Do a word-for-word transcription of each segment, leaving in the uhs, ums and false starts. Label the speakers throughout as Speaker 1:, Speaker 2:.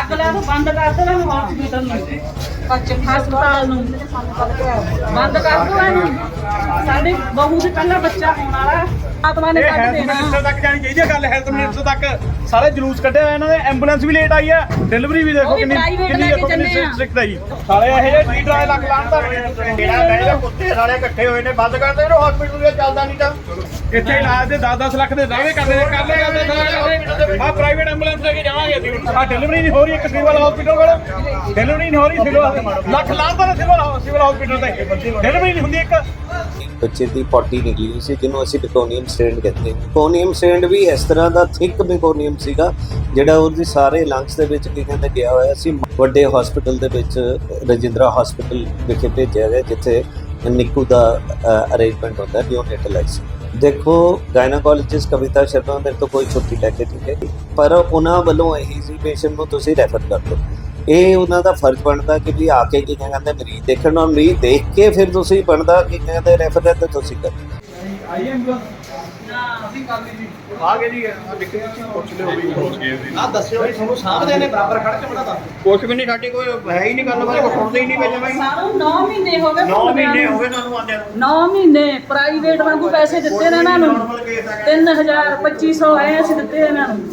Speaker 1: ਅੱਗ ਲਾ ਦੋ ਬੰਦ ਕਰ ਦੋ ਇਹਨੂੰ ਹਸਪੀਟਲ ਨੂੰ ਹਸਪਤਾਲ ਨੂੰ ਬੰਦ ਕਰ ਦੋ ਇਹਨੂੰ ਸਾਡੀ ਬਹੂ ਦੇ ਪਹਿਲਾ ਬੱਚਾ ਹੋਣ ਵਾਲਾ ਆਤਮਾ ਨੇ ਕੱਢ ਦੇਣਾ
Speaker 2: ਮਿਨਿਸਟਰ ਤੱਕ ਜਾਣੀ ਚਾਹੀਦੀ ਹੈ ਗੱਲ ਹੈਲਥ ਮਿਨਿਸਟਰ ਤੱਕ ਸਾਰੇ ਜਲੂਸ ਕੱਢਿਆ ਹੋਇਆ ਇਹਨਾਂ ਦੇ ਐਂਬੂਲੈਂਸ ਵੀ ਲੇਟ ਆਈ ਆ ਡਿਲੀਵਰੀ ਵੀ ਦੇਖੋ ਕਿੰਨੀ ਕਿੰਨੀ ਦੇਖੋ ਕਿੰਨੀ ਸਟ੍ਰਿਕਟ ਹੈ ਜੀ ਸਾਲੇ ਇਹ ਜਿਹੇ ਟੀ ਡਰਾਈ ਲੱਗ ਲਾਣ ਤਾਂ
Speaker 3: ਜਿਹੜਾ ਬੈਠੇ ਕੁੱਤੇ ਸਾਲੇ ਇਕੱਠੇ ਹੋਏ ਨੇ ਬੰਦ ਕਰ ਦੇ ਇਹਨੂੰ ਹਸਪੀਟਲ ਦੇ ਚੱਲਦਾ ਨਹੀਂ ਤਾਂ
Speaker 2: ਇੱਥੇ ਇਲਾਜ ਦੇ ਦਸ ਦਸ ਲੱਖ ਦੇ ਦਾਅਵੇ ਕਰਦੇ ਨੇ ਕਰ ਲੈ ਆ ਪ੍ਰਾਈਵੇਟ ਐਂਬੂਲੈਂਸ ਲੈ ਕੇ ਜਾਵਾਂਗੇ ਅਸੀਂ ਆ ਡਿਲੀਵਰੀ ਨਹੀਂ ਹੋ ਰਹੀ ਇੱਕ ਸਿਵਲ ਹਸਪੀਟਲ ਕੋਲ ਡਿਲੀਵਰੀ ਨਹੀਂ ਹੋ ਰਹੀ ਸਿਵਲ ਲੱਖ ਲਾਂਦਾ ਨੇ ਸਿਵਲ ਸਿਵਲ ਹਸਪੀਟਲ ਤੇ ਡਿਲੀਵਰੀ ਨਹੀਂ ਹੁੰਦੀ ਇੱਕ
Speaker 4: ਬੱਚੇ ਦੀ ਪੋਟੀ ਨਿਕਲੀ ਹੋਈ ਸੀ ਜਿਹਨੂੰ ਅਸੀਂ ਬਿਕੋਨੀਅਮ ਸਟ੍ਰੈਂਡ ਕਹਿੰਦੇ ਹਾਂ। ਬਿਕੋਨੀਅਮ ਸਟ੍ਰੈਂਡ ਵੀ ਇਸ ਤਰ੍ਹਾਂ ਦਾ ਥਿਕ ਬਿਕੋਨੀਅਮ ਸੀਗਾ ਜਿਹੜਾ ਉਹਦੇ ਸਾਰੇ ਲੰਗਸ ਦੇ ਵਿੱਚ ਕੀ ਕਹਿੰਦੇ ਗਿਆ ਹੋਇਆ ਸੀ। ਵੱਡੇ ਹਸਪੀਟਲ ਦੇ ਵਿੱਚ ਰਜਿੰਦਰਾ ਹਸਪੀਟਲ ਵਿਖੇ ਭੇਜਿਆ ਗਿਆ ਜਿੱਥੇ ਨਿੱਕੂ ਦਾ ਅਰੇਂਜਮੈਂਟ ਹੁੰਦਾ ਨਿਓਨੇਟਲ ਆਈਸੀਯੂ। ਦੇਖੋ ਗਾਇਨੋਕੋਲੋਜਿਸਟ ਕਵਿਤਾ ਸ਼ਰਮਾ ਮੇਰੇ ਤੋਂ ਕੋਈ ਛੁੱਟੀ ਲੈ ਕੇ ਨਹੀਂ ਗਈ ਪਰ ਉਹਨਾਂ ਵੱਲੋਂ ਇਹੀ ਸੀ ਪੇਸ਼ੈਂਟ ਨੂੰ ਤੁਸੀਂ ਰੈਫਰ ਕਰ ਦਿਓ। ਇਹ ਉਹਨਾਂ ਦਾ ਫਰਜ਼ ਬਣਦਾ ਕਿ ਵੀ ਆ ਕੇ ਕੀ ਕਹਿੰਦੇ ਮਰੀਜ਼ ਦੇਖਣ ਨਾਲ ਮਰੀਜ਼ ਦੇਖ ਕੇ ਫਿਰ ਤੁਸੀਂ ਬਣਦਾ ਕਿ ਕਹਿੰਦੇ ਰੈਫਰ ਤੇ ਤੁਸੀਂ ਕਰੋ।
Speaker 2: ਆਈ ਐਂਬੂਲੈਂਸ ਅਸੀਂ ਕਰ ਲਈ ਜੀ ਆ ਗਏ ਜੀ ਦੇਖੇ ਪੁੱਛ ਲਿਓ ਵੀ ਪਹੁੰਚ ਗਏ ਸੀ
Speaker 3: ਆ ਦੱਸਿਓ ਵੀ ਤੁਹਾਨੂੰ ਸਾਹਮਣੇ ਨੇ ਬਰਾਬਰ ਖੜ ਕੇ ਬਣਾ ਦੱਸ ਕੁਛ ਵੀ ਨਹੀਂ ਸਾਡੀ ਕੋਈ ਹੈ ਹੀ ਨਹੀਂ ਗੱਲ ਬਾਰੇ ਕੋਈ ਸੁਣਦੇ ਹੀ ਨਹੀਂ ਵਿੱਚ ਬਾਈ
Speaker 1: ਸਾਨੂੰ ਨੌ ਮਹੀਨੇ ਹੋ ਗਏ
Speaker 3: ਨੌ ਮਹੀਨੇ ਹੋ ਗਏ ਤੁਹਾਨੂੰ ਆਂਦਿਆਂ ਨੂੰ
Speaker 1: ਨੌ ਮਹੀਨੇ ਪ੍ਰਾਈਵੇਟ ਵਾਂਗੂ ਪੈਸੇ ਦਿੱਤੇ ਨੇ ਇਹਨਾਂ ਨੂੰ ਤਿੰਨ ਹਜ਼ਾਰ ਪੱਚੀ ਸੌ ਆਏ ਅਸੀਂ ਦਿੱਤੇ ਇਹਨਾਂ ਨੂੰ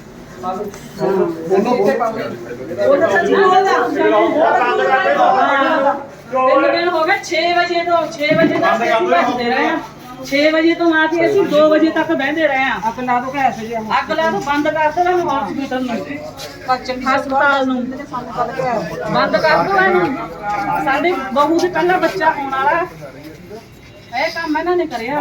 Speaker 1: ਉਹ ਤਾਂ ਸੱਚੀ ਬੋਲਦਾ ਤਿੰਨ ਦਿਨ ਹੋ ਗਏ ਛੇ ਵਜੇ ਤੋਂ ਛੇ ਵਜੇ ਤੱਕ ਅਸੀਂ ਬੈਠਦੇ ਰਹੇ ਹਾਂ ਛੇ ਵਜੇ ਤੋਂ ਆ ਕੇ ਅਸੀਂ ਦੋ ਵਜੇ ਤੱਕ ਬਹਿੰਦੇ ਰਹੇ ਹਾਂ ਅੱਗ ਲਾ ਦੋ ਕੈਸੇ ਜੀ ਅੱਗ ਲਾ ਦੋ ਬੰਦ ਕਰ ਦੋ ਇਹਨੂੰ ਹਸਪੀਟਲ ਨੂੰ ਹਸਪਤਾਲ ਨੂੰ ਬੰਦ ਕਰ ਦੋ ਇਹਨੂੰ ਸਾਡੀ ਬਹੂ ਦੇ ਪਹਿਲਾ ਬੱਚਾ ਹੋਣ ਵਾਲਾ ਇਹ ਕੰਮ ਇਹਨਾਂ ਨੇ ਕਰਿਆ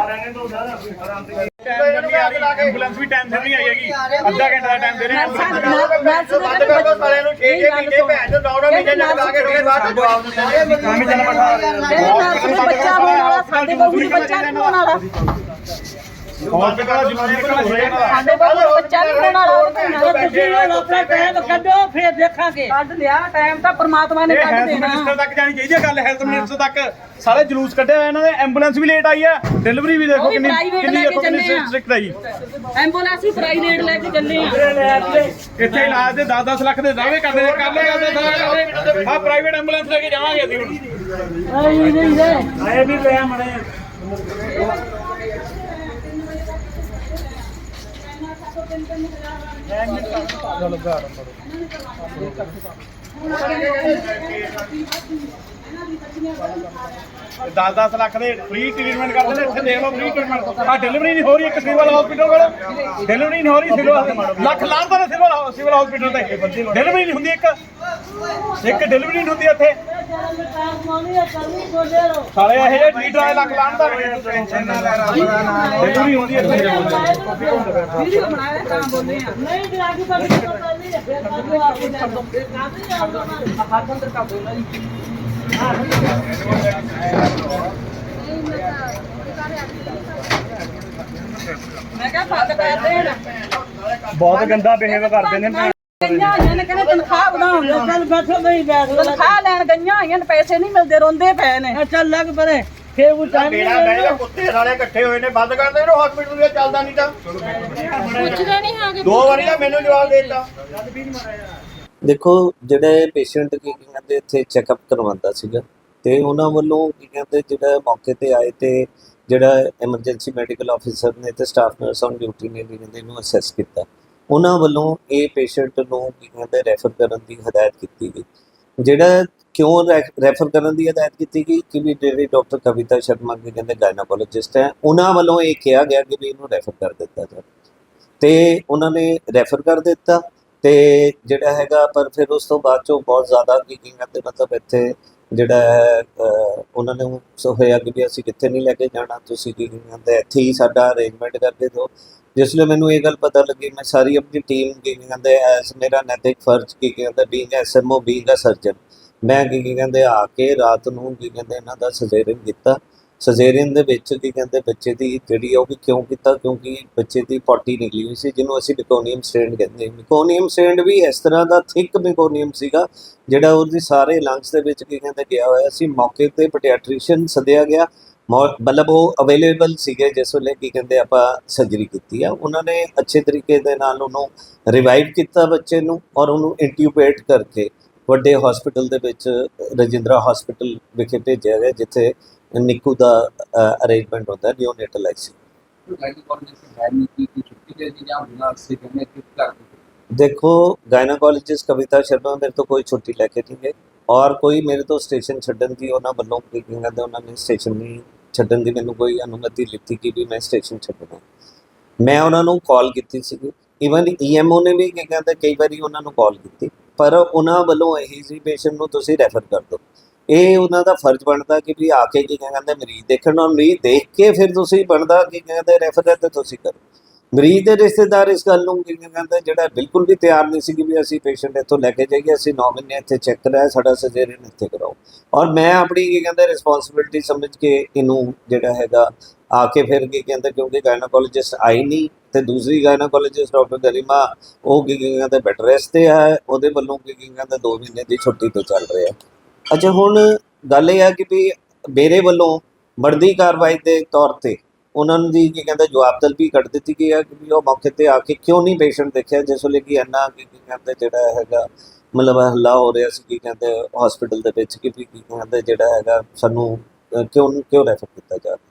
Speaker 2: ਐਂਬੂਲੈਂਸ ਵੀ ਟਾਈਮ ਸਿਰ ਨਹੀਂ ਆਈ ਹੈਗੀ ਅੱਧਾ ਘੰਟਾ ਦਾ ਟਾਈਮ ਦੇ ਰਹੇ
Speaker 3: ਬੰਦ ਕਰ ਦੋ ਸਾਲਿਆਂ ਨੂੰ ਛੇ ਛੇ ਮਹੀਨੇ ਭੈਣ ਚੋਂ ਨੌ ਨੌ ਮਹੀਨੇ ਲਗਾ ਕੇ ਰੋਏ ਬਾਅਦ ਜਵਾਬ ਦਿੰਦੇ
Speaker 2: ਕੰਮ ਹੀ ਚੱਲ ਪੜਾ
Speaker 1: ਬੱਚਾ ਹੋਣ ਵਾਲਾ ਸਾਡੇ ਬਹੂ ਦਾ ਬੱਚਾ ਨਹੀਂ ਹੋਣ ਵਾਲਾ
Speaker 2: ਹਸਪੀਟਲ ਦਾ ਜਵਾਬ ਨਿਕਲ ਹੋ ਰਿਹਾ
Speaker 1: ਸਾਡੇ ਬਹੂ ਦਾ ਬੱਚਾ ਨਹੀਂ ਹੋਣ ਵਾਲਾ ਤੁਸੀਂ ਆਪਣਾ ਟਾਈਮ ਕੱਢੋ ਫਿਰ ਦੇਖਾਂਗੇ ਕੱਢ ਲਿਆ ਟਾਈਮ ਤਾਂ ਪ੍ਰਮਾਤਮਾ ਨੇ ਕੱਢ
Speaker 2: ਹੈਲਥ
Speaker 1: ਦੇਣਾ
Speaker 2: ਮਿਨਿਸਟਰ ਤੱਕ ਜਾਣੀ ਚਾਹੀਦੀ ਹੈ ਗੱਲ ਹੈਲਥ ਮਿਨਿਸਟਰ ਤੱਕ ਸਾਰੇ ਜਲੂਸ ਕੱਢਿਆ ਹੋਇਆ ਇਹਨਾਂ ਦੇ ਐਂਬੂਲੈਂਸ ਵੀ ਲੇਟ ਆਈ ਆ ਡਿਲੀਵਰੀ ਵੀ ਦੇਖੋ ਕਿੰਨੀ ਕਿੰਨੀ ਦੇਖੋ ਕਿੰਨੀ ਸਟ੍ਰਿਕਟ ਹੈ ਜੀ
Speaker 1: ਐਂਬੂਲੈਂਸ ਵੀ ਪ੍ਰਾਈਵੇਟ ਲੈ ਕੇ ਚੱਲੇ ਆ
Speaker 2: ਇੱਥੇ ਇਲਾਜ ਦੇ ਦਸ ਦਸ ਲੱਖ ਦੇ ਦਾਅਵੇ ਕਰਦੇ ਨੇ ਕਰ ਲੈ ਆ ਪ੍ਰਾਈਵੇਟ ਐਂਬੂਲੈਂਸ ਲੈ ਕੇ ਜਾਵਾਂਗੇ ਅਸੀਂ ਹੁਣ
Speaker 1: ਆਈ ਨਹੀਂ ਹੈ
Speaker 2: ਆਏ ਵੀ ਲੈ ਮੜੇ ਦਸ ਦਸ ਲੱਖ ਦੇ ਫ੍ਰੀ ਟ੍ਰੀਟਮੈਂਟ ਕਰਦੇ ਨੇ ਇੱਥੇ ਦੇਖ ਲਓ ਫ੍ਰੀ ਟ੍ਰੀਟਮੈਂਟ ਆ ਡਿਲੀਵਰੀ ਨਹੀਂ ਹੋ ਰਹੀ ਇੱਕ ਸਿਵਲ ਹਸਪੀਟਲ ਕੋਲ ਡਿਲੀਵਰੀ ਨਹੀਂ ਹੋ ਰਹੀ ਸਿਵਲ ਲੱਖ ਲਾਂਦਾ ਨੇ ਸਿਵਲ ਸਿਵਲ ਹਸਪੀਟਲ ਤੇ ਡਿਲੀਵਰੀ ਨਹੀਂ ਹੁੰਦੀ ਇੱਕ ਇੱਕ ਡਿਲੀਵਰੀ ਨਹੀਂ ਹੁੰਦੀ ਇੱਥੇ ਸਾਲੇ ਇਹ ਜਿਹੇ ਟੀ ਡਰਾਈ ਲੱਖ ਲਾਂਦਾ ਟੈਨਸ਼ਨ ਨਾ ਲੈ ਡਿਲੀਵਰੀ ਹੁੰਦੀ ਇੱਥੇ
Speaker 1: ਵੀਡੀਓ ਬਣਾਇਆ ਤਾਂ ਬੋਲੇ ਆ ਨਹੀਂ ਵੀ ਆਗੇ ਤਾਂ ਨਹੀਂ ਫਿਰ ਕਰ ਆਪੇ ਕਰ ਦੋ ਕਾਹਦੇ ਆਉਂਦਾ ਨਾ ਹੱਥ ਅੰਦਰ ਕਰ ਦੋ ਜੀ ਮੈਂ ਕਿਹਾ ਫੱਕ ਕਰ ਦੇਣ
Speaker 2: ਬਹੁਤ ਗੰਦਾ ਬਿਹੇਵ ਕਰਦੇ ਨੇ
Speaker 1: ਗਈਆਂ ਹੋਈਆਂ ਨੇ ਕਹਿੰਦੇ ਤਨਖਾਹ ਵਧਾਉਣ ਚੱਲ ਬੈਠੋ ਨਹੀਂ ਬੈਠ ਤਨਖਾਹ ਲੈਣ ਗਈਆਂ ਹੋਈਆਂ ਨੇ ਪੈਸੇ ਨਹੀਂ ਮਿਲਦੇ ਰੋਂਦੇ ਪਏ ਨੇ ਚੱਲ ਲੱਗ ਪਰੇ ਫੇਰ ਉਹ ਟਾਈਮ
Speaker 3: ਬੇੜਾ ਬੈਠੇ ਕੁੱਤੇ ਸਾਲੇ ਇਕੱਠੇ ਹੋਏ ਨੇ ਬੰਦ ਕਰ ਦੇ ਇਹਨੂੰ ਹਸਪੀਟਲ ਦੇ ਚੱਲਦਾ ਨਹੀਂ ਤਾਂ
Speaker 1: ਪੁੱਛਦੇ ਨਹੀਂ ਆਗੇ
Speaker 3: ਦੋ ਵਾਰੀ ਤਾਂ ਮੈਨੂੰ ਜਵਾਬ ਦੇ ਦਿੱਤਾ
Speaker 4: ਦੇਖੋ ਜਿਹੜੇ ਪੇਸ਼ੈਂਟ ਕੀ ਕਹਿੰਦੇ ਇੱਥੇ ਚੈੱਕਅਪ ਕਰਵਾਉਂਦਾ ਸੀਗਾ ਤੇ ਉਹਨਾਂ ਵੱਲੋਂ ਕੀ ਕਹਿੰਦੇ ਜਿਹੜਾ ਮੌਕੇ ਤੇ ਆਏ ਤੇ ਜਿਹੜਾ ਐਮਰਜੈਂਸੀ ਮੈਡੀਕਲ ਆਫੀਸਰ ਨੇ ਤੇ ਸਟਾਫ ਨਰਸ ਔਨ ਡਿਊਟੀ ਨੇ ਕੀ ਕਹਿੰਦੇ ਇਹਨੂੰ ਅਸੈਸ ਕੀਤਾ ਉਹਨਾਂ ਵੱਲੋਂ ਇਹ ਪੇਸ਼ੈਂਟ ਨੂੰ ਕੀ ਕਹਿੰਦੇ ਰੈਫਰ ਕਰਨ ਦੀ ਹਦਾਇਤ ਕੀਤੀ ਗਈ। ਜਿਹੜਾ ਕਿਉਂ ਰੈਫਰ ਕਰਨ ਦੀ ਹਦਾਇਤ ਕੀਤੀ ਗਈ ਕਿ ਵੀ ਜਿਹੜੇ ਡਾਕਟਰ ਕਵਿਤਾ ਸ਼ਰਮਾ ਕੀ ਕਹਿੰਦੇ ਗਾਇਨੋਕੋਲੋਜਿਸਟ ਹੈ ਉਹਨਾਂ ਵੱਲੋਂ ਇਹ ਕਿਹਾ ਗਿਆ ਕਿ ਵੀ ਇਹਨੂੰ ਰੈਫਰ ਕਰ ਦਿੱਤਾ ਜਾਵੇ ਤੇ ਉਹਨਾਂ ਨੇ ਰੈਫਰ ਕਰ ਦਿੱਤਾ ਤੇ ਜਿਹੜਾ ਹੈਗਾ ਪਰ ਫਿਰ ਉਸ ਤੋਂ ਬਾਅਦ ਚੋਂ ਬਹੁਤ ਜ਼ਿਆਦਾ ਕੀ ਕਹਿੰਦੇ ਮਤਲਬ ਇੱਥੇ ਜਿਹੜਾ ਹੈ ਉਹਨਾਂ ਨੇ ਹੋਇਆ ਕਿ ਵੀ ਅਸੀਂ ਕਿੱਥੇ ਨਹੀਂ ਲੈ ਕੇ ਜਾਣਾ ਤੁਸੀਂ ਕੀ ਕਹਿੰਦੇ ਇੱਥੇ ਹੀ ਸਾਡਾ ਅਰੇਂਜਮੈਂਟ ਕਰਕੇ ਦਿਓ। ਜਿਸ ਲਈ ਮੈਨੂੰ ਇਹ ਗੱਲ ਪਤਾ ਲੱਗੀ ਮੈਂ ਸਾਰੀ ਆਪਣੀ ਟੀਮ ਕੀ ਕਹਿੰਦੇ ਐਸ ਮੇਰਾ ਨੈਤਿਕ ਫਰਜ਼ ਕੀ ਕਹਿੰਦੇ being S M O being a surgeon ਮੈਂ ਕੀ ਕਹਿੰਦੇ ਆ ਕੇ ਰਾਤ ਨੂੰ ਕੀ ਕਹਿੰਦੇ ਇਹਨਾਂ ਦਾ ਸਜੇਰੀਅਨ ਕੀਤਾ। ਸਜੇਰੀਅਨ ਦੇ ਵਿੱਚ ਕੀ ਕਹਿੰਦੇ ਬੱਚੇ ਦੀ ਜਿਹੜੀ ਉਹ ਵੀ ਕਿਉਂ ਕੀਤਾ ਕਿਉਂਕਿ ਬੱਚੇ ਦੀ ਪੋਟੀ ਨਿਕਲੀ ਹੋਈ ਸੀ ਜਿਹਨੂੰ ਅਸੀਂ ਬਿਕੋਨੀਅਮ ਸਟ੍ਰੈਂਡ ਕਹਿੰਦੇ ਹਾਂ। ਬਿਕੋਨੀਅਮ ਸਟ੍ਰੈਂਡ ਵੀ ਇਸ ਤਰ੍ਹਾਂ ਦਾ ਥਿਕ ਬਿਕੋਨੀਅਮ ਸੀਗਾ ਜਿਹੜਾ ਉਹਦੇ ਸਾਰੇ ਲੰਗਸ ਦੇ ਵਿੱਚ ਕੀ ਕਹਿੰਦੇ ਗਿਆ ਹੋਇਆ ਸੀ। ਮੌਕੇ ਤੇ ਪੀਡੀਆਟ੍ਰੀਸ਼ੀਅਨ ਸੱਦਿਆ ਗਿਆ ਮੌ- ਮਤਲਬ ਉਹ ਅਵੇਲੇਬਲ ਸੀਗੇ ਜਿਸ ਵੇਲੇ ਕੀ ਕਹਿੰਦੇ ਆਪਾਂ ਸਰਜਰੀ ਕੀਤੀ ਆ। ਉਹਨਾਂ ਨੇ ਅੱਛੇ ਤਰੀਕੇ ਦੇ ਨਾਲ ਉਹਨੂੰ ਰਿਵਾਈਵ ਕੀਤਾ ਬੱਚੇ ਨੂੰ, ਔਰ ਉਹਨੂੰ ਇੰਟਿਊਬੇਟ ਕਰਕੇ ਵੱਡੇ ਹਸਪੀਟਲ ਦੇ ਵਿੱਚ ਰਜਿੰਦਰਾ ਹਸਪੀਟਲ ਵਿਖੇ ਭੇਜਿਆ ਗਿਆ, ਜਿੱਥੇ ਨਿੱਕੂ ਦਾ ਅਰੇਂਜਮੈਂਟ ਹੁੰਦਾ ਨਿਓਨੇਟਲ ਆਈਸੀਯੂ। ਦੇਖੋ ਗਾਇਨਾਕੋਲੋਜਿਸਟ ਕਵਿਤਾ ਸ਼ਰਮਾ ਮੇਰੇ ਤੋਂ ਕੋਈ ਛੁੱਟੀ ਲੈ ਕੇ ਨਹੀਂ ਗਏ, ਔਰ ਕੋਈ ਮੇਰੇ ਤੋਂ ਸਟੇਸ਼ਨ ਛੱਡਣ ਦੀ ਉਹਨਾਂ ਵੱਲੋਂ ਕੀ ਕਹਿੰਦੇ ਉਹਨਾਂ ਨੇ ਸਟੇਸ਼ਨ ਨਹੀਂ ਛੱਡਣ ਦੀ ਮੈਨੂੰ ਕੋਈ ਅਨੁਮਤੀ ਲਿੱਤੀ ਕਿ ਵੀ ਮੈਂ ਸਟੇਸ਼ਨ ਛੱਡਣਾ। ਮੈਂ ਉਹਨਾਂ ਨੂੰ ਕਾਲ ਕੀਤੀ ਸੀਗੀ, ਈਵਨ ਈਐਮਓ ਨੇ ਵੀ ਕੀ ਕਹਿੰਦੇ ਕਈ ਵਾਰੀ ਉਹਨਾਂ ਨੂੰ ਕਾਲ ਕੀਤੀ, ਪਰ ਉਹਨਾਂ ਵੱਲੋਂ ਇਹੀ ਸੀ ਪੇਸ਼ੈਂਟ ਨੂੰ ਤੁਸੀਂ ਰੈਫਰ ਕਰ ਦਿਓ। ਇਹ ਉਹਨਾਂ ਦਾ ਫਰਜ਼ ਬਣਦਾ ਕਿ ਵੀ ਆ ਕੇ ਕੀ ਕਹਿੰਦੇ ਮਰੀਜ਼ ਦੇਖਣ, ਔਰ ਮਰੀਜ਼ ਦੇਖ ਕੇ ਫਿਰ ਤੁਸੀਂ ਬਣਦਾ ਕੀ ਕਹਿੰਦੇ ਰੈਫਰ ਹੈ ਤੇ ਤੁਸੀਂ ਕਰੋ। ਮਰੀਜ਼ ਦੇ ਰਿਸ਼ਤੇਦਾਰ ਇਸ ਗੱਲ ਨੂੰ ਕੀ ਕਹਿੰਦੇ ਜਿਹੜਾ ਬਿਲਕੁਲ ਵੀ ਤਿਆਰ ਨਹੀਂ ਸੀ ਕਿ ਵੀ ਅਸੀਂ ਪੇਸ਼ੈਂਟ ਇੱਥੋਂ ਲੈ ਕੇ ਜਾਈਏ, ਅਸੀਂ ਨੌ ਮਹੀਨੇ ਇੱਥੇ ਚੈੱਕ ਕਰਾਇਆ, ਸਾਡਾ ਸਰਜਰੀਨ ਇੱਥੇ ਕਰਾਓ। ਔਰ ਮੈਂ ਆਪਣੀ ਕੀ ਕਹਿੰਦੇ ਰਿਸਪੌਂਸਿਬਿਲਟੀ ਸਮਝ ਕੇ ਇਹਨੂੰ ਜਿਹੜਾ ਹੈਗਾ ਆ ਕੇ ਫਿਰ ਕੀ ਕਹਿੰਦੇ, ਕਿਉਂਕਿ ਗਾਇਨਾਕੋਲੋਜਿਸਟ ਆਈ ਨਹੀਂ ਤੇ ਦੂਸਰੀ ਗਾਇਨਾਕੋਲੋਜਿਸਟ ਡਾਕਟਰ ਗਰਿਮਾ ਉਹ ਕੀ ਕਹਿੰਦੇ ਬੈੱਡ ਰੈਸਟ ਤੇ ਹੈ, ਉਹਦੇ ਵੱਲੋਂ ਕੀ ਕਹਿੰਦੇ ਦੋ ਮਹੀਨੇ ਦੀ ਛੁੱਟੀ ਤੇ ਚੱਲ ਰਿਹਾ। ਅੱਛਾ ਹੁਣ ਗੱਲ ਇਹ ਆ ਕਿ ਵੀ ਮੇਰੇ ਵੱਲੋਂ ਬਣਦੀ ਕਾਰਵਾਈ ਦੇ ਤੌਰ ਤੇ ਉਹਨਾਂ ਨੂੰ ਦੀ ਕੀ ਕਹਿੰਦੇ ਜਵਾਬ ਤਲਬੀ ਕੱਢ ਦਿੱਤੀ ਗਈ ਹੈ ਕਿ ਵੀ ਉਹ ਮੌਕੇ ਤੇ ਆ ਕੇ ਕਿਉਂ ਨਹੀਂ ਪੇਸ਼ੈਂਟ ਦੇਖਿਆ, ਜਿਸ ਵੇਲੇ ਕਿ ਇੰਨਾ ਕੀ ਕਹਿੰਦੇ ਜਿਹੜਾ ਹੈਗਾ ਮਤਲਬ ਹੱਲਾ ਹੋ ਰਿਹਾ ਸੀ ਕੀ ਕਹਿੰਦੇ ਹਸਪੀਟਲ ਦੇ ਵਿੱਚ ਕਿ ਵੀ ਕੀ ਕਹਿੰਦੇ ਜਿਹੜਾ ਹੈਗਾ ਸਾਨੂੰ ਕਿਉਂ ਕਿਉਂ ਰੈਫਰ ਕੀਤਾ ਜਾ ਰਿਹਾ।